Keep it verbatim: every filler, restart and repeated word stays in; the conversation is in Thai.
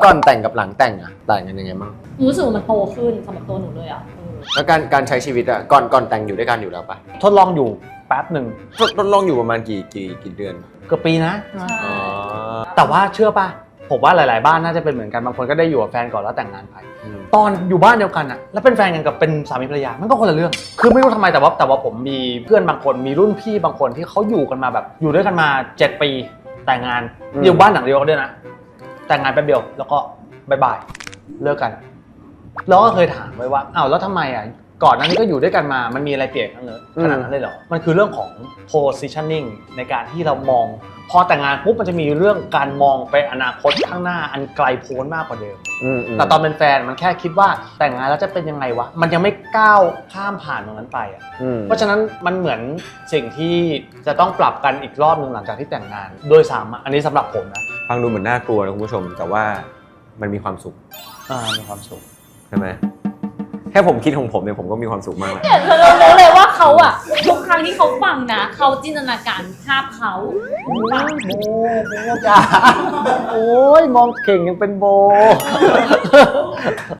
ก่อนแต่งกับหลังแต่งอะต่างกันยังไงบ้างรู้สึกว่ามันโตขึ้นสำหรับตัวหนูเลยอ่ะแล้วการการใช้ชีวิตอะก่อนก่อนแต่งอยู่ด้วยกันอยู่แล้วปะทดลองอยู่แป๊บหนึ่งทดทดลองอยู่ประมาณกี่กี่กี่เดือนเกือบปีนะใช่อ๋อแต่ว่าเชื่อป่ะผมว่าหลาย ๆ บ้านน่าจะเป็นเหมือนกันบางคนก็ได้อยู่กับแฟนก่อนแล้วแต่งงานไปอืมตอนอยู่บ้านเดียวกันอะแล้วเป็นแฟนกันกับเป็นสามีภรรยามันก็คนละเรื่อง คือไม่รู้ทำไมแต่ว่าแต่ว่าผมมีเพื่อนบางคนมีรุ่นพี่บางคนที่เขาอยู่กันมาแบบอยู่ด้วยกันมาเจ็ดปีแต่งงานอยู่บ้านหลังเดียวกันด้วยนะแต่งงานแป๊บเดียวแล้วก็บายบายเลิกกันแล้วก็เคยถามไว้ว่าอ้าวแล้วทำไมอะก่อนหน้านี้ก็อยู่ด้วยกันมามันมีอะไรเปลี่ยนกันเลยขนาดนั้นเลยเหรอมันคือเรื่องของ positioning ในการที่เรามองพอแต่งงานปุ๊บมันจะมีเรื่องการมองไปอนาคตข้างหน้าอันไกลโพ้นมากกว่าเดิมอืมมแต่ตอนเป็นแฟนมันแค่คิดว่าแต่งงานแล้วจะเป็นยังไงวะมันยังไม่ก้าวข้ามผ่านตรงนั้นไปอ่ะอืมเพราะฉะนั้นมันเหมือนสิ่งที่จะต้องปรับกันอีกรอบหนึ่งหลังจากที่แต่งงานโดยสามอันนี้สำหรับผมนะฟังดูเหมือนน่ากลัวนะคุณผู้ชม แต่ว่ามันมีความสุขอ่ามีความสุขใช่ไหมแค่ผมคิดของผมเนี่ยผมก็มีความสุขมากแล้วเนี่ยเธอรู้เลยว่าเขาอ่ะทุกครั้งที่เขาฟังนะเขาจินตนาการภาพเขาโบโบจ้าโอ้ยมองเก่งยังเป็นโบ